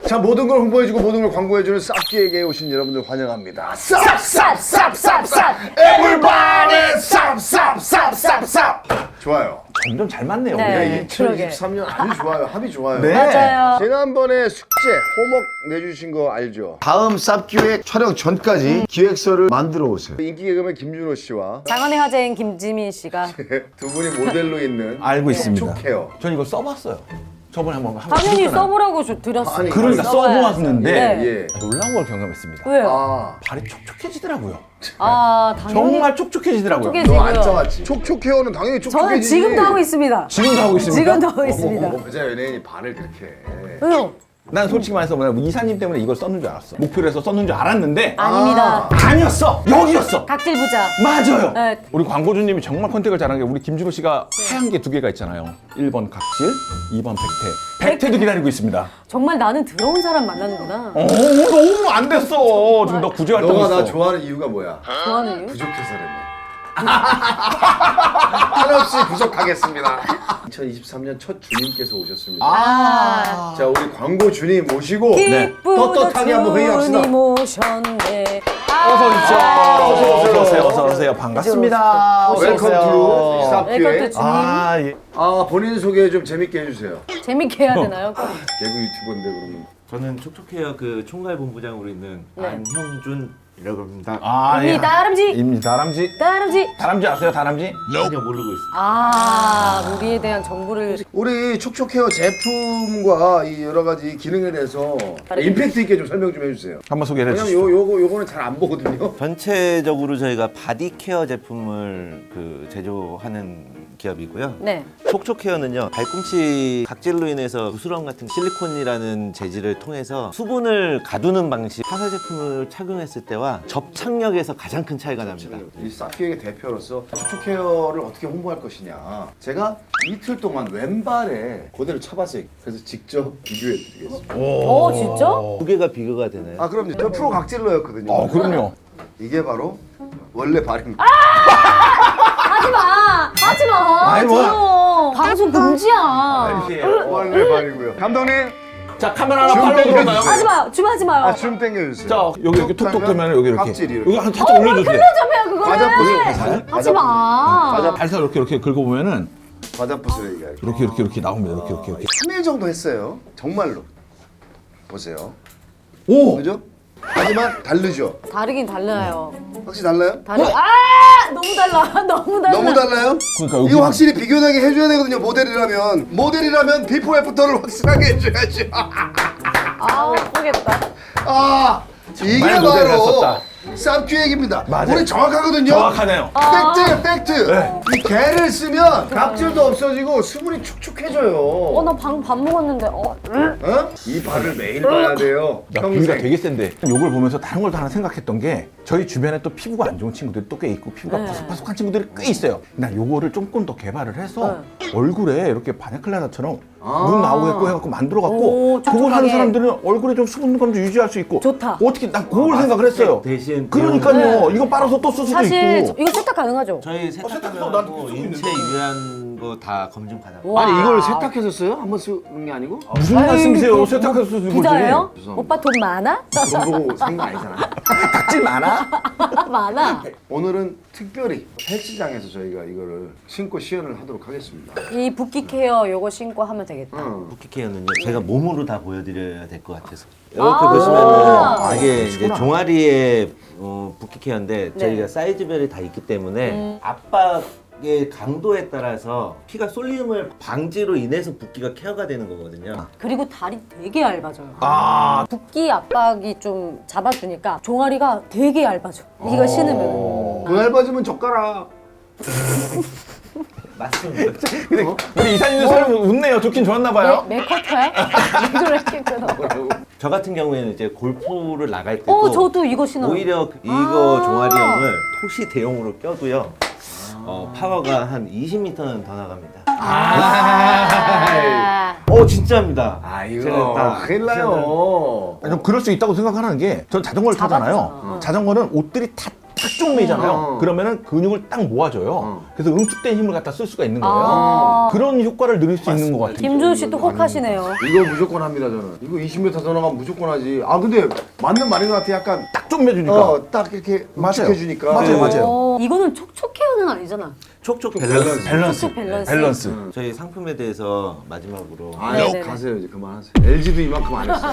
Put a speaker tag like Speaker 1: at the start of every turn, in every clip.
Speaker 1: 자, 모든 걸 홍보해주고 모든 걸 광고해주는 쌉기에게 오신 여러분들 환영합니다. 쌉! Everybody 쌉! 좋아요.
Speaker 2: 점점 잘 맞네요.
Speaker 3: 네.
Speaker 2: 우리가.
Speaker 1: 2023년 아주 좋아요. 합이 좋아요.
Speaker 2: 네.
Speaker 3: 맞아요.
Speaker 1: 지난번에 숙제, 호목 내주신 거 알죠? 다음 쌉기획 촬영 전까지 기획서를 만들어 오세요. 인기 개그맨 김준호 씨와
Speaker 3: 장안의 화제인 김지민 씨가
Speaker 1: 두 분이 모델로 있는
Speaker 2: 알고 있습니다.
Speaker 1: 촉촉해요.
Speaker 2: 전 이거 써봤어요. 저번에 한번
Speaker 3: 당연히
Speaker 2: 해줬잖아요.
Speaker 3: 써보라고 드렸어요.
Speaker 1: 아니,
Speaker 2: 그러니까 써보았는데
Speaker 3: 네.
Speaker 1: 예.
Speaker 2: 놀라운 걸 경험했습니다.
Speaker 3: 왜요?
Speaker 1: 아,
Speaker 2: 발이 촉촉해지더라고요.
Speaker 3: 당연히
Speaker 2: 정말 촉촉해지더라고요.
Speaker 3: 촉촉해지-
Speaker 1: 너 안
Speaker 3: 지고요.
Speaker 1: 짜왔지? 촉촉해요는 당연히
Speaker 3: 저는
Speaker 1: 촉촉해지지.
Speaker 3: 지금도 하고 있습니다.
Speaker 2: 지금도 하고 있습니까?
Speaker 3: 지금도 하고 있습니다.
Speaker 1: 여자 연예인이 발을 그렇게 해.
Speaker 3: 왜요?
Speaker 2: 난 솔직히 말해서 뭐냐, 이사님 때문에 이걸 썼는 줄 알았어. 목표로 해서 썼는 줄 알았는데
Speaker 3: 아닙니다.
Speaker 2: 아니었어. 여기였어.
Speaker 3: 각질 부자.
Speaker 2: 맞아요.
Speaker 3: 네.
Speaker 2: 우리 광고주님이 정말 컨택을 잘한 게 우리 김준호 씨가 하얀 게 두 개가 있잖아요. 1번 각질, 2번 백태. 백태도 기다리고 있습니다.
Speaker 3: 정말 나는 더러운 사람 만나는구나.
Speaker 2: 너무 안 됐어. 지금 너 구제 활동
Speaker 1: 너가
Speaker 2: 있어.
Speaker 1: 나 좋아하는 이유가 뭐야?
Speaker 3: 좋아하는 이유?
Speaker 1: 부족해서라며. 한없이 부족하겠습니다. 2023년 첫 주님께서 오셨습니다.
Speaker 3: 아.
Speaker 1: 자, 우리 광고 주님 모시고
Speaker 2: 네.
Speaker 1: 떳떳하게 한번 회의합시다.
Speaker 3: 주님 오셨네.
Speaker 2: 어서 오십시오.
Speaker 1: 어서 오세요.
Speaker 2: 어서 오세요. 반갑습니다. 어서
Speaker 1: 웰컴
Speaker 2: 오세요.
Speaker 1: 투
Speaker 3: 웰컴 투
Speaker 1: 쌉기획.
Speaker 3: 주님.
Speaker 2: 아, 예.
Speaker 1: 본인 소개 좀 재밌게 해주세요.
Speaker 3: 재밌게 해야 되나요?
Speaker 1: 개그 유튜버인데 그러면.
Speaker 4: 저는 촉촉해요 그 총괄 본부장으로 있는
Speaker 3: 네.
Speaker 4: 안형준이라고 합니다.
Speaker 2: 아,
Speaker 3: 이 다람쥐.
Speaker 2: 입니다. 다람쥐.
Speaker 3: 다람쥐.
Speaker 2: 다람쥐 아세요? 다람쥐?
Speaker 4: 전혀 모르고 있습니다.
Speaker 3: 우리에 대한 정보를
Speaker 1: 우리 촉촉헤어 제품과 이 여러 가지 기능에 대해서 임팩트 있게 좀 설명 좀 해주세요.
Speaker 2: 한번 소개를
Speaker 1: 왜냐면
Speaker 2: 해주시죠.
Speaker 1: 요거는 잘 안 보거든요.
Speaker 4: 전체적으로 저희가 바디 케어 제품을 제조하는 기업이고요.
Speaker 3: 네.
Speaker 4: 촉촉헤어는요 발꿈치 각질로 인해서 부스럼 같은 실리콘이라는 재질을 통해서 수분을 가두는 방식 화사 제품을 착용했을 때와 접착력에서 가장 큰 차이가 납니다.
Speaker 1: 이 쌉기획의 대표로서 촉촉헤어를 어떻게 홍보할 것이냐. 제가 이틀 동안 왼발에 그대로 쳐봤어요. 그래서 직접 비교해드리겠습니다.
Speaker 3: 진짜?
Speaker 4: 두 개가 비교가 되나요?
Speaker 1: 그럼요. 저 프로 각질러였거든요.
Speaker 2: 그럼요.
Speaker 1: 이게 바로 원래 발입니다.
Speaker 3: 하지 마.
Speaker 2: 아니, 뭐야.
Speaker 3: 더러워. 방송 금지야.
Speaker 1: 원래 발이고요. 감독님,
Speaker 2: 자, 카메라 하나
Speaker 1: 줌
Speaker 2: 팔로
Speaker 1: 땡겨주세요.
Speaker 2: 들어가요.
Speaker 3: 하지 마요. 줌 하지 마요.
Speaker 1: 줌 당겨주세요.
Speaker 2: 자, 여기 이렇게 톡톡 되면 여기 이렇게.
Speaker 1: 각질이 이렇게.
Speaker 2: 여기 한 살짝 올려주세요.
Speaker 3: 좀 해요 그거는.
Speaker 1: 과자 부스러기.
Speaker 3: 하지 마.
Speaker 2: 살살 이렇게 긁어보면은
Speaker 1: 과자 부스러기가 이렇게.
Speaker 2: 이렇게 나옵니다. 이렇게.
Speaker 1: 3일 정도 했어요. 정말로. 보세요.
Speaker 2: 오!
Speaker 1: 그죠? 하지만 다르죠?
Speaker 3: 다르긴 달라요.
Speaker 1: 확실히 달라요?
Speaker 3: 너무 달라. 너무 달라.
Speaker 1: 너무 달라요?
Speaker 2: 그러니까 여기는-
Speaker 1: 이거 확실히 비교되게 해줘야 되거든요. 모델이라면 비포 애프터를 확실하게 해줘야지.
Speaker 3: 예쁘겠다.
Speaker 1: 이게
Speaker 2: 정말 모델을
Speaker 1: 바로
Speaker 2: 했었다.
Speaker 1: 쌉기획입니다.
Speaker 2: 맞아요.
Speaker 1: 우리 정확하거든요.
Speaker 2: 정확하네요.
Speaker 1: 팩트예요, 팩트.
Speaker 2: 네.
Speaker 1: 이 게를 쓰면 각질도 없어지고 수분이 축축해져요.
Speaker 3: 나 방금 밥 먹었는데.
Speaker 1: 어? 이 발을 매일 봐야 돼요.
Speaker 2: 야, 비위가 되게 센데 요걸 보면서 다른 걸 하나 생각했던 게 저희 주변에 또 피부가 안 좋은 친구들이 또 꽤 있고 피부가
Speaker 3: 네.
Speaker 2: 바삭바삭한 친구들이 꽤 있어요. 난 요거를 조금 더 개발을 해서 얼굴에 이렇게 바네클라다처럼 문 나오게끔 해갖고 만들어갖고
Speaker 3: 오,
Speaker 2: 그걸 하는
Speaker 3: 촉촉하게.
Speaker 2: 사람들은 얼굴에 좀 수분감 좀 유지할 수 있고
Speaker 3: 좋다.
Speaker 2: 어떻게 난 그걸 생각을 했어요.
Speaker 4: 대신
Speaker 2: 그러니까요. 이거 빨아서 또 쓸 수도
Speaker 3: 사실
Speaker 2: 있고.
Speaker 3: 이거 세탁 가능하죠?
Speaker 4: 저희
Speaker 2: 세탁도 나한테
Speaker 4: 세탁하고
Speaker 2: 쓰고
Speaker 4: 인체 유해한 거 다 검증 가능.
Speaker 3: 와.
Speaker 1: 아니 이걸 세탁해서 써요? 한번 쓰는 게 아니고?
Speaker 2: 무슨 말씀이세요? 세탁해서 쓰는 거지.
Speaker 3: 부자예요?
Speaker 1: 죄송합니다.
Speaker 3: 오빠 돈 많아?
Speaker 1: 그런 보고 산 거 아니잖아.
Speaker 2: 각질 많아?
Speaker 3: 많아.
Speaker 1: 오늘은 특별히 헬스장에서 저희가 이거를 신고 시연을 하도록 하겠습니다.
Speaker 3: 이 붓기 케어 요거 신고 하면 되겠다.
Speaker 4: 붓기케어는요 제가 몸으로 다 보여드려야 될 것 같아서 이렇게 보시면은 이게 이제 종아리의 붓기케어인데 저희가 사이즈별이 다 있기 때문에 압박의 강도에 따라서 피가 쏠림을 방지로 인해서 붓기가 케어가 되는 거거든요.
Speaker 3: 그리고 다리 되게 얇아져요. 붓기 압박이 좀 잡아주니까 종아리가 되게 얇아져. 이거 신으면.
Speaker 1: 그 얇아지면 젓가락.
Speaker 4: 맞습니다.
Speaker 2: 근데 우리 이사님도 사람 웃네요. 좋긴 좋았나 봐요.
Speaker 3: 메커터야? 왜 이렇게 끊어?
Speaker 4: 저 같은 경우에는 이제 골프를 나갈 때도
Speaker 3: 저도 이거 신어요.
Speaker 4: 오히려 이거 종아리형을 토시 대용으로 껴도요 파워가 한 20m는 더 나갑니다. 진짜입니다.
Speaker 1: 이거 큰일 나요.
Speaker 2: 좀 그럴 수 있다고 생각하는 게 전 자전거를 타잖아요. 자전거는 옷들이 다 좀 매잖아요.
Speaker 1: 어.
Speaker 2: 그러면은 근육을 딱 모아줘요. 그래서 응축된 힘을 갖다 쓸 수가 있는 거예요.
Speaker 3: 아.
Speaker 2: 그런 효과를 누릴 수 있는 것 같아요.
Speaker 3: 김준 씨도 혹하시네요.
Speaker 1: 이거 무조건 합니다 저는. 이거 20m 더 나가면 무조건 하지. 아 근데 맞는 말인 것 같아. 약간
Speaker 2: 딱 좀 매주니까.
Speaker 1: 딱 이렇게
Speaker 2: 맞아요.
Speaker 1: 응축해주니까.
Speaker 2: 맞아요.
Speaker 3: 이거는 촉촉 헤어는 아니잖아.
Speaker 4: 촉촉 밸런스.
Speaker 2: 밸런스.
Speaker 3: 촉촉 밸런스.
Speaker 2: 밸런스.
Speaker 4: 저희 상품에 대해서 마지막으로
Speaker 1: 아
Speaker 3: 네네네.
Speaker 1: 가세요 이제 그만하세요. LG도 이만큼 안 했어.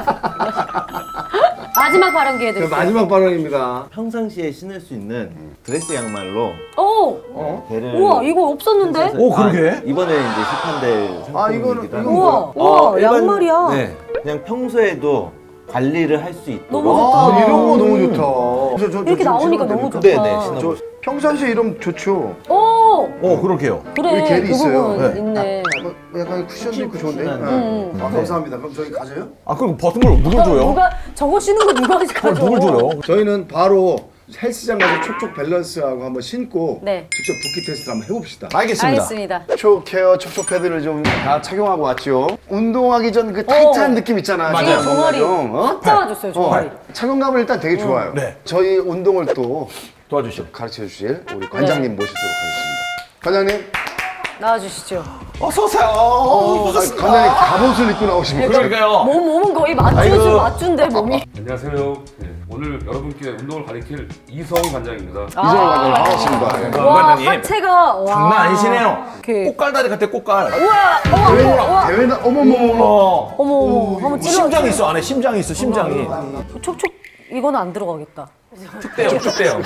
Speaker 3: 마지막 발언 기회 드릴게요.
Speaker 1: 마지막 발언입니다.
Speaker 4: 평상시에 신을 수 있는 드레스 양말로
Speaker 3: 오!
Speaker 4: 배를
Speaker 3: 우와, 이거 없었는데?
Speaker 2: 오, 그러게.
Speaker 4: 이번에 이제 시판될
Speaker 1: 아,
Speaker 4: 상품이기도
Speaker 1: 이거는
Speaker 4: 한데
Speaker 3: 우와, 우와,
Speaker 4: 일반-
Speaker 3: 양말이야.
Speaker 4: 네, 그냥 평소에도 관리를 할 수 있도록
Speaker 3: 너무 좋다.
Speaker 1: 이런 거 너무 좋다.
Speaker 3: 이렇게 나오니까 너무 좋다.
Speaker 4: 네네
Speaker 1: 저
Speaker 4: 신어보세요.
Speaker 1: 평상시에 이러면 좋죠.
Speaker 3: 오!
Speaker 2: 그러게요.
Speaker 3: 그래,
Speaker 1: 여기 겔이
Speaker 3: 그
Speaker 1: 있어요.
Speaker 3: 부분
Speaker 2: 네.
Speaker 3: 있네.
Speaker 1: 약간 쿠션도 있고 좋은데.
Speaker 4: 음.
Speaker 1: 아, 감사합니다. 그럼 저희 가져요?
Speaker 2: 아, 그리고 벗은 걸 누굴 줘요?
Speaker 3: 누가 저거 신는 거 누가
Speaker 2: 그걸
Speaker 3: 가져?
Speaker 2: 누굴 줘요?
Speaker 1: 저희는 바로 헬스장 가서 촉촉 밸런스하고 한번 신고
Speaker 3: 네.
Speaker 1: 직접 붓기 테스트를 한번 해봅시다.
Speaker 2: 알겠습니다.
Speaker 3: 알겠습니다.
Speaker 1: 촉 케어 촉촉 패드를 좀 다 착용하고 왔죠. 운동하기 전 그 타이트한 느낌 있잖아요.
Speaker 2: 맞아요.
Speaker 3: 지금 종아리
Speaker 1: 어?
Speaker 3: 확 잡아줬어요, 종아리.
Speaker 1: 착용감은 일단 되게 좋아요.
Speaker 2: 네.
Speaker 1: 저희 운동을 또
Speaker 2: 도와주시오.
Speaker 1: 가르쳐 주실 우리 관장님 모시도록 하겠습니다. 관장님,
Speaker 3: 나와주시죠.
Speaker 2: 어서오세요.
Speaker 1: 관장님 갑옷을 입고 나오십니다.
Speaker 2: 그러니까요.
Speaker 3: 몸은 거의
Speaker 2: 아이고.
Speaker 3: 맞춘데, 몸이.
Speaker 5: 안녕하세요. 네, 오늘 여러분께 운동을 가리킬 이성희 관장입니다.
Speaker 1: 이정환 관장님 반갑습니다. 네.
Speaker 2: 네.
Speaker 3: 와,
Speaker 2: 관장님.
Speaker 3: 하체가. 와.
Speaker 2: 장난 아니시네요.
Speaker 3: 이렇게.
Speaker 2: 꽃갈다리 같아, 꽃갈.
Speaker 3: 우와.
Speaker 1: 대회나 어머머머.
Speaker 3: 어머, 한번 찔러.
Speaker 2: 심장이 있어, 안에 심장이 있어, 심장이.
Speaker 3: 촉촉, 이거는 안 들어가겠다.
Speaker 2: 특대형, 특대형.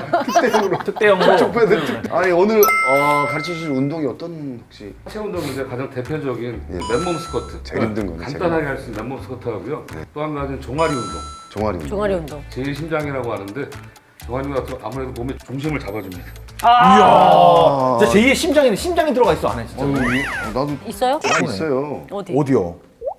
Speaker 2: 특대형으로.
Speaker 1: 촉촉 패드. 아니 오늘 가르쳐 주실 운동이 어떤 혹시
Speaker 5: 하체 운동인데 가장 대표적인 맨몸 스쿼트.
Speaker 1: 제일 힘든 거네,
Speaker 5: 간단하게 할 수 있는 맨몸 스쿼트 하고요. 또 한 가지는 종아리 운동.
Speaker 1: 종아리 운동?
Speaker 3: 종아리 운동.
Speaker 5: 제일 심장이라고 하는데 종아리 운동 같은 거 아무래도 몸의 중심을 잡아줍니다.
Speaker 2: 이야. 진짜 제2의 심장이, 심장이 들어가 있어, 안에 진짜.
Speaker 1: 나도
Speaker 3: 있어요?
Speaker 1: 있어요.
Speaker 3: 어디?
Speaker 2: 어디요?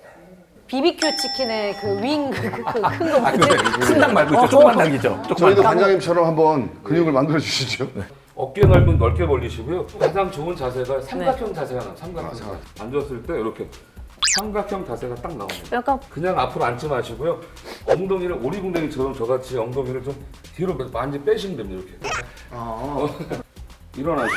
Speaker 3: BBQ 치킨의 그 윙, 큰거
Speaker 2: 아,
Speaker 3: 뭐지?
Speaker 2: 큰 닭 말고 있죠. 조그만 닭이죠. 조그만
Speaker 1: 저희도
Speaker 2: 닭.
Speaker 1: 관장님처럼 한번 근육을 만들어 주시죠.
Speaker 5: 어깨 넓은 넓게 벌리시고요. 가장 좋은 자세가 삼각형 자세가 나와요. 삼각형 자세. 앉았을 때 이렇게 삼각형 자세가 딱 나옵니다.
Speaker 3: 약간
Speaker 5: 그냥 앞으로 앉지 마시고요. 엉덩이를 오리궁뎅이처럼 저같이 엉덩이를 좀 뒤로 많이 빼시면 됩니다. 이렇게. 일어나시고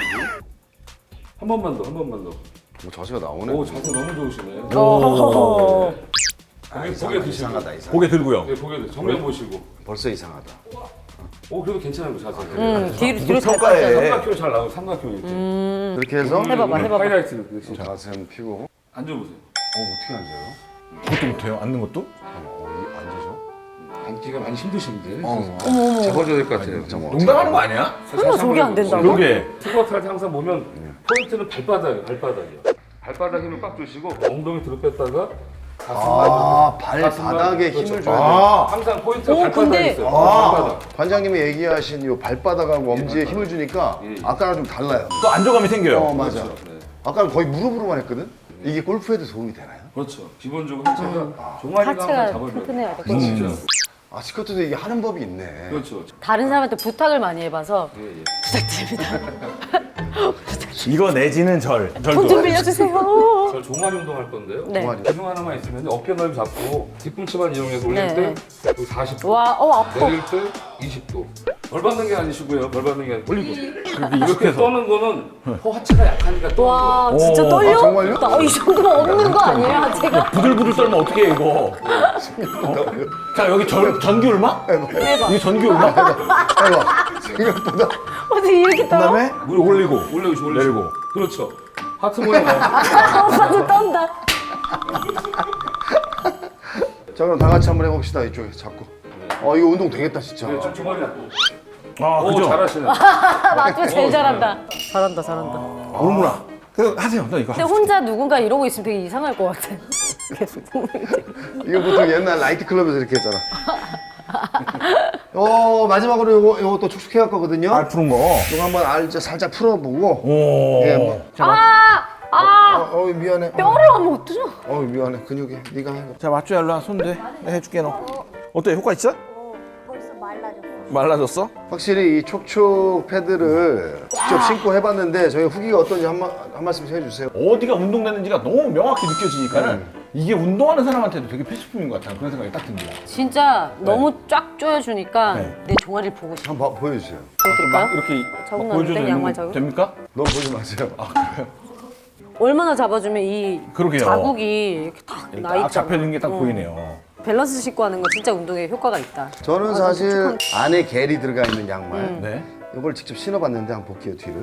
Speaker 5: 한 번만 더, 한 번만 더.
Speaker 1: 자세가 나오네.
Speaker 5: 오 자세 너무 좋으시네.
Speaker 3: 어.
Speaker 5: 고개 드시고.
Speaker 2: 고개 들고요.
Speaker 5: 네, 고개 드. 정면 보시고.
Speaker 1: 벌써 이상하다.
Speaker 5: 오 그래도 괜찮아요 그 자세.
Speaker 3: 뒤로 잘
Speaker 2: 평가해.
Speaker 3: 빠져요.
Speaker 5: 삼각형 잘 나오고 삼각형 이렇게.
Speaker 1: 이렇게 해서
Speaker 3: 해봐봐.
Speaker 5: 하이라이트 그렇지.
Speaker 1: 자세 한번 펴고.
Speaker 5: 앉아보세요.
Speaker 1: 어떻게 앉아요?
Speaker 2: 그것도 못해요? 앉는 것도?
Speaker 1: 앉아서?
Speaker 5: 앉기가 많이 힘드신데.
Speaker 1: 어머.
Speaker 5: 잡아줘야 될 것 같아요.
Speaker 2: 농담하는 거 아니야?
Speaker 3: 설마 저게 안 된다고?
Speaker 2: 그러게.
Speaker 5: 스쿼트 할 때 항상 보면 포인트는 발바닥이에요. 발바닥이요. 발바닥 힘을 꽉 주시고 엉덩이 뒤로 뺐다가
Speaker 1: 발바닥에 힘을 줘야 돼.
Speaker 5: 항상 포인트가
Speaker 3: 오,
Speaker 5: 발바닥에
Speaker 3: 근데-
Speaker 5: 있어요. 발바닥.
Speaker 1: 관장님이 얘기하신 이 발바닥하고 엄지에 힘을 주니까 아까랑 좀 달라요.
Speaker 2: 또 안정감이 생겨요.
Speaker 1: 맞아.
Speaker 5: 네.
Speaker 1: 아까는 거의 무릎으로만 했거든? 이게 골프에도 도움이 되나요?
Speaker 5: 그렇죠. 기본적으로 하체가 종아리가 항상
Speaker 3: 하체가
Speaker 5: 잡아줘야 돼요.
Speaker 3: 튼튼해야 돼.
Speaker 5: 그렇죠.
Speaker 1: 아, 스쿼트도 이게 하는 법이 있네.
Speaker 5: 그렇죠.
Speaker 3: 다른 사람한테 부탁을 많이 해봐서
Speaker 5: 예, 예.
Speaker 3: 부탁드립니다.
Speaker 2: 이거 내지는 절.
Speaker 3: 돈 좀
Speaker 2: 절도.
Speaker 3: 빌려주세요.
Speaker 5: 저 종아리 운동 할 건데요.
Speaker 3: 네.
Speaker 1: 종아리.
Speaker 5: 기둥 하나만 있으면 어깨 넓이 잡고 뒤꿈치만 이용해서 올릴
Speaker 3: 네.
Speaker 5: 때 여기 40도,
Speaker 3: 와, 아파.
Speaker 5: 내릴 때 20도. 벌 받는 게 아니시고요. 벌 받는 게 아니고 올리고. 이렇게 떠는 거는 허 하체가 약하니까 떠는
Speaker 3: 와,
Speaker 5: 거예요.
Speaker 3: 진짜 떨려?
Speaker 1: 아, 정말요?
Speaker 3: 이 정도면 없는 거 아니에요, 제가?
Speaker 2: 부들부들 떨면 어떻게 해, 이거? 자, 여기 전기 울마?
Speaker 3: 해봐.
Speaker 2: 이게 전기 울마?
Speaker 1: 해봐. 생각보다.
Speaker 3: 어떻게 이렇게 떨어?
Speaker 2: 그다음에 물 올리고.
Speaker 5: 올려주시고
Speaker 2: 내리고.
Speaker 5: 그렇죠. 하트 모양 나와요.
Speaker 3: 오빠도 떤다.
Speaker 1: 자, 그럼 다 같이 한번 해봅시다. 이쪽에 잡고. 이거 운동 되겠다, 진짜.
Speaker 5: 좀 종아리 잡고.
Speaker 2: 아,
Speaker 5: 오
Speaker 2: 그죠?
Speaker 5: 잘하시네.
Speaker 3: 맞죠? 제일 잘한다. 잘한다.
Speaker 2: 모르구나. 그 하세요. 너 이거.
Speaker 3: 근데 혼자 누군가 이러고 있으면 되게 이상할 것 같아. 계속.
Speaker 1: 이거 보통 옛날 라이트 클럽에서 이렇게 했잖아. 마지막으로 요거 또 촉촉해 할 거거든요.
Speaker 2: 알 푸는 거.
Speaker 1: 이거 한번 이제 살짝 풀어보고.
Speaker 2: 오.
Speaker 1: 예, 뭐. 미안해.
Speaker 3: 뼈를 하면 어쩌죠?
Speaker 1: 미안해. 근육에. 네가 해.
Speaker 2: 자, 맞죠? 일로 와. 손 대. 내가 해줄게, 너. 어때? 효과 있어?
Speaker 6: 벌써 말라졌어.
Speaker 2: 말라졌어?
Speaker 1: 확실히 이 촉촉 패드를 직접 신고 해봤는데 저희 후기가 어떤지 한 말씀 해주세요.
Speaker 2: 어디가 운동되는지가 너무 명확히 느껴지니까는 이게 운동하는 사람한테도 되게 필수품인 것 같아요. 그런 생각이 딱 듭니다.
Speaker 3: 진짜 너무 쫙 조여주니까
Speaker 2: 네.
Speaker 3: 내 종아리를 보고 싶어.
Speaker 1: 한번 보여주세요.
Speaker 3: 보여드릴까요?
Speaker 2: 이렇게
Speaker 3: 적응
Speaker 2: 막
Speaker 3: 안
Speaker 2: 보여줘도
Speaker 3: 돼?
Speaker 2: 되는
Speaker 3: 양말
Speaker 2: 거
Speaker 3: 적응?
Speaker 2: 됩니까?
Speaker 1: 너무 보지 마세요.
Speaker 3: 얼마나 잡아주면 이
Speaker 2: 그러게요.
Speaker 3: 자국이 이렇게 딱 나
Speaker 2: 딱
Speaker 3: 있잖아.
Speaker 2: 잡혀있는 게 딱 보이네요.
Speaker 3: 밸런스 씻고 하는 거 진짜 운동에 효과가 있다.
Speaker 1: 저는 사실 안에 겔이 들어가 있는 양말
Speaker 2: 네.
Speaker 1: 이걸 직접 신어봤는데 한번 볼게요 뒤를.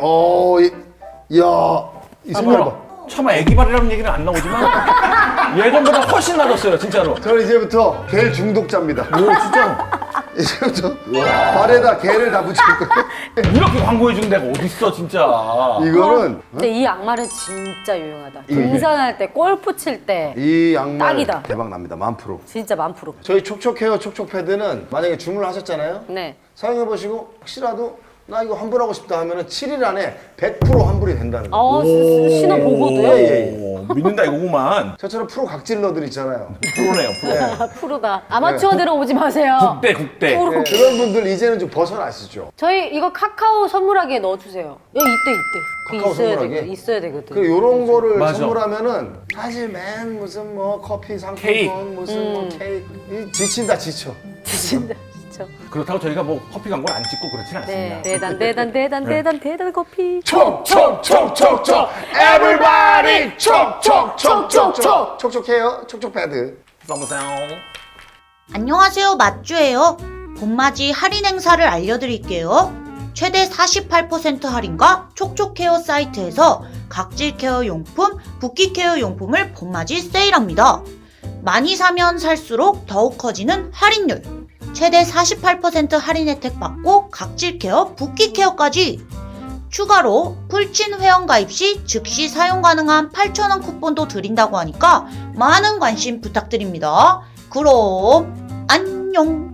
Speaker 1: 이야 이 색깔 봐.
Speaker 2: 차마 애기발이라는 얘기는 안 나오지만 예전보다 훨씬 나아졌어요, 진짜로.
Speaker 1: 저는 이제부터 겔 중독자입니다.
Speaker 2: 오, 진짜.
Speaker 1: 이제부터 발에다 겔을 다 붙일 거예요.
Speaker 2: 이렇게 광고해준 데가 어딨어, 진짜.
Speaker 1: 이거는
Speaker 3: 근데 이 양말은 진짜 유용하다. 등산할 때, 골프 칠 때
Speaker 1: 이 양말
Speaker 3: 딱이다.
Speaker 1: 대박 납니다. 10,000%.
Speaker 3: 진짜 10,000%.
Speaker 1: 저희 촉촉헤어 촉촉 패드는 만약에 주문을 하셨잖아요.
Speaker 3: 네.
Speaker 1: 사용해 보시고 혹시라도 나 이거 환불하고 싶다 하면은 7일 안에 100% 환불이 된다는 거예요.
Speaker 3: 신어보고도요?
Speaker 1: 예.
Speaker 2: 오, 믿는다 이거구만.
Speaker 1: 저처럼 프로 각질러들 있잖아요.
Speaker 2: 프로네요, 프로.
Speaker 3: 프로다. 아마추어들은 오지 마세요.
Speaker 2: 국대.
Speaker 3: 프로.
Speaker 1: 네, 그런 분들 이제는 좀 벗어나시죠.
Speaker 3: 저희 이거 카카오 선물하기에 넣어주세요. 이때. 그게
Speaker 1: 카카오
Speaker 3: 있어야
Speaker 1: 선물하기에?
Speaker 3: 되거든. 있어야 되거든.
Speaker 1: 그 요런 거를
Speaker 2: 맞아.
Speaker 1: 선물하면은 사실 맨 무슨 뭐 커피 상품권
Speaker 2: 케이크.
Speaker 1: 무슨 뭐 케이크 이 지친다 지쳐.
Speaker 3: 진짜.
Speaker 2: 그렇다고 저희가 뭐 커피 광고를 안 찍고 그렇진 않습니다.
Speaker 3: 네. 대단 커피.
Speaker 1: 촉촉촉촉촉 에브리바디 촉촉촉촉촉 촉촉해요 촉촉 패드.
Speaker 2: 써보세요.
Speaker 7: 안녕하세요, 맛주예요. 봄맞이 할인 행사를 알려드릴게요. 최대 48% 할인과 촉촉케어 사이트에서 각질 케어 용품, 붓기 케어 용품을 봄맞이 세일합니다. 많이 사면 살수록 더욱 커지는 할인율. 최대 48% 할인 혜택 받고 각질 케어, 붓기 케어까지. 추가로 풀친 회원 가입 시 즉시 사용 가능한 8,000원 쿠폰도 드린다고 하니까 많은 관심 부탁드립니다. 그럼 안녕.